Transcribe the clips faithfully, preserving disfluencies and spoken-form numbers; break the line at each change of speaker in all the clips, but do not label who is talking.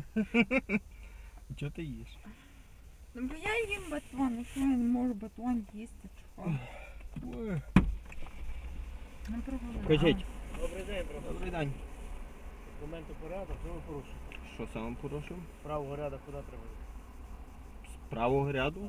Чого ти їш?
Ну, бо я їм батон, ну що я не можу батон їсти, чого?
Ой.
Не проголодала.
Кажіть.
Добрий день, професор.
Добрий день.
Документи порядок, що ви порушуєте?
Що саме порушив?
З правого ряду куди треба?
З правого ряду?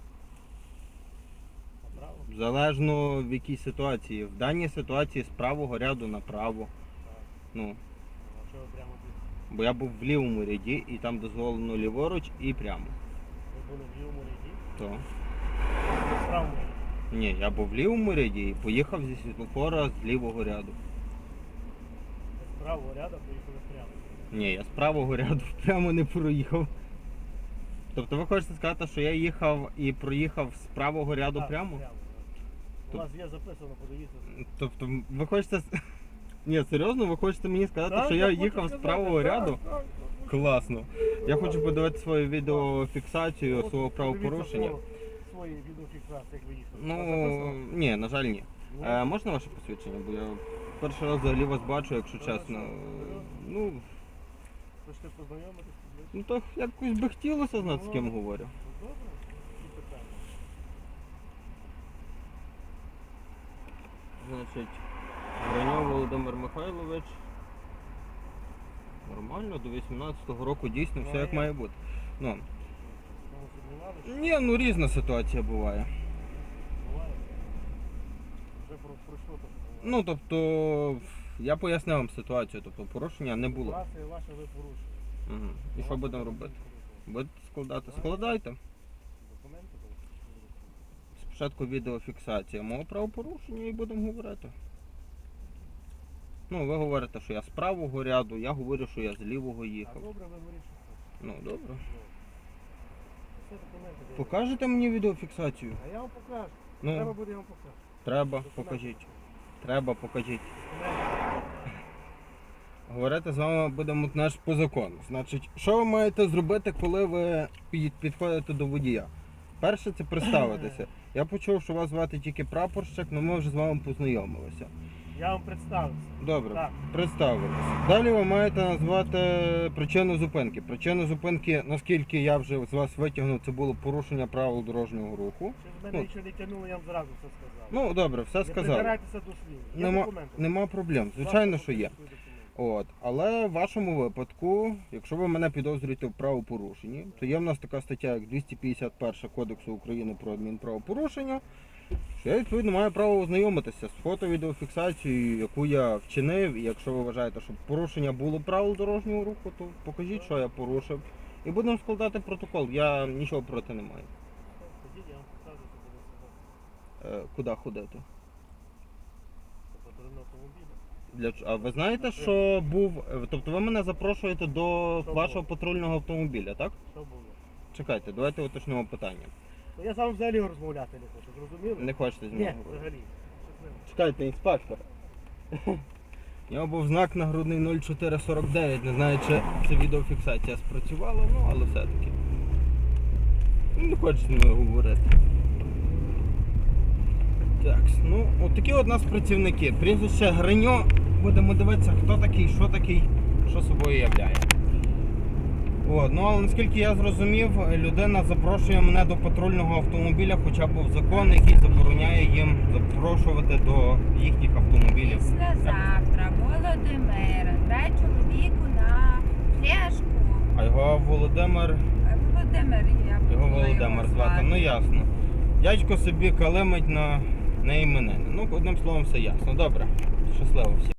Направо?
Залежно в якій ситуації. В даній ситуації з правого ряду направо.
Так.
Ну,
А що ви прямо тут?
бо я був в лівому ряді і там дозволено ліворуч і прямо.
Ви були в лівому ряді?
То.
Ви в правому ряді?
Ні, я був в лівому ряді і поїхав зі світлофора з лівого ряду.
Ви з правого ряду поїхали прямо.
Ні, я з правого ряду прямо не проїхав. Тобто ви хочете сказати, що я їхав і проїхав з правого ряду
Так,
прямо?
так. У
Тоб-
вас є записано, подивіться.
Тобто ви хочете... с- Ні, серйозно, ви хочете мені сказати,
Так,
що я
хочу
їхав з
сказати,
правого
так,
ряду?
так, так.
Класно. Я хочу подивити свою відеофіксацію
От,
свого
подивіться
правопорушення.
свого- Свої відеофіксації, як ви їхали.
Ну,
Записано?
ні, на жаль, ні.
Ну,
Е, можна ваше посвідчення? Бо я перший раз взагалі вас бачу, якщо
Хорошо.
чесно. Ну,
Хочете познайомитися?
ну то якось би хотілося знати, з ким говорю.
Ну, добре, які питання?
Значить, Граньов Володимир Михайлович. Нормально, до вісімнадцятого року дійсно все як має бути. Ну,
Тому сумнівалися?
ні, ну різна ситуація буває.
Буває. Вже про, пройшло так.
Ну, тобто, я пояснив вам ситуацію, тобто порушення не було.
Ситуація ваша ви порушили.
Угу. І що будемо робити? Будете складати? Складайте.
Документи були?
Спочатку відеофіксація мого правопорушення і будемо говорити. Ну, ви говорите, що я з правого ряду, я говорю, що я з лівого
А
їхав.
добре, ви вирішите.
Ну, добре.
Все документи були.
Покажете мені відеофіксацію?
А я вам покажу. Треба
Ну,
буде, я вам покажу.
треба,
Документи.
покажіть. Треба, покажіть.
Документи.
Говорити з вами будемо теж по закону. Значить, що ви маєте зробити, коли ви під- підходите до водія? Перше, це представитися. Я почув, що вас звати тільки прапорщик, але ми вже з вами познайомилися.
Я вам представився.
Добре,
Так.
представилися. Далі ви маєте назвати причину зупинки. Причину зупинки, наскільки я вже з вас витягнув, це було порушення правил дорожнього руху.
Чи з мене
Ну.
нічого не тягнуло, я вам зразу все сказав.
Ну, добре, все
Не
сказали.
придирайтеся до слів. Є
Нема,
документи?
нема проблем, звичайно,
Власне,
що є.
свої документи.
От, але в вашому випадку, якщо ви мене підозрюєте в правопорушенні, то є в нас така стаття, як двісті п'ятдесят перша Кодексу України про адмінправопорушення, що я відповідно маю право ознайомитися з фото-відеофіксацією, яку я вчинив, і якщо ви вважаєте, що порушення було правил дорожнього руху, то покажіть, що я порушив, і будемо складати протокол. Я нічого проти не маю.
Ходіть, я вам покажу, що буде
Е, куди ходити?
по патрульному автомобілю.
Для ч- А ви знаєте, що був, е, тобто ви мене запрошуєте до
Що
вашого
було?
патрульного автомобіля, так?
Що було?
Чекайте, давайте уточнимо питання.
Ну, я з вами взагалі розмовляти не хочу, зрозуміли?
Не хочете з нього
Ні,
говорити?
взагалі. Щасливо.
Чекайте, інспектор. У нього був знак нагрудний нуль чотири сорок дев'ять. Не знаю, чи ця відеофіксація спрацювала, ну але все-таки. Ну, не хоче з мною говорити. Так, ну, от такі от нас працівники. Прізвище Гриньо. Будемо дивитися, хто такий, що такий, що собою являє. От, ну але наскільки я зрозумів, людина запрошує мене до патрульного автомобіля, хоча був закон, який забороняє їм запрошувати до їхніх автомобілів.
Післязавтра Володимира, дай чоловіку на фляжку.
А його Володимир,
Е, Володимир, я
його
буду
Володимир звати, ну ясно. Дядько собі калимить на, на іменини. Ну, одним словом, все ясно. Добре, щасливо всім.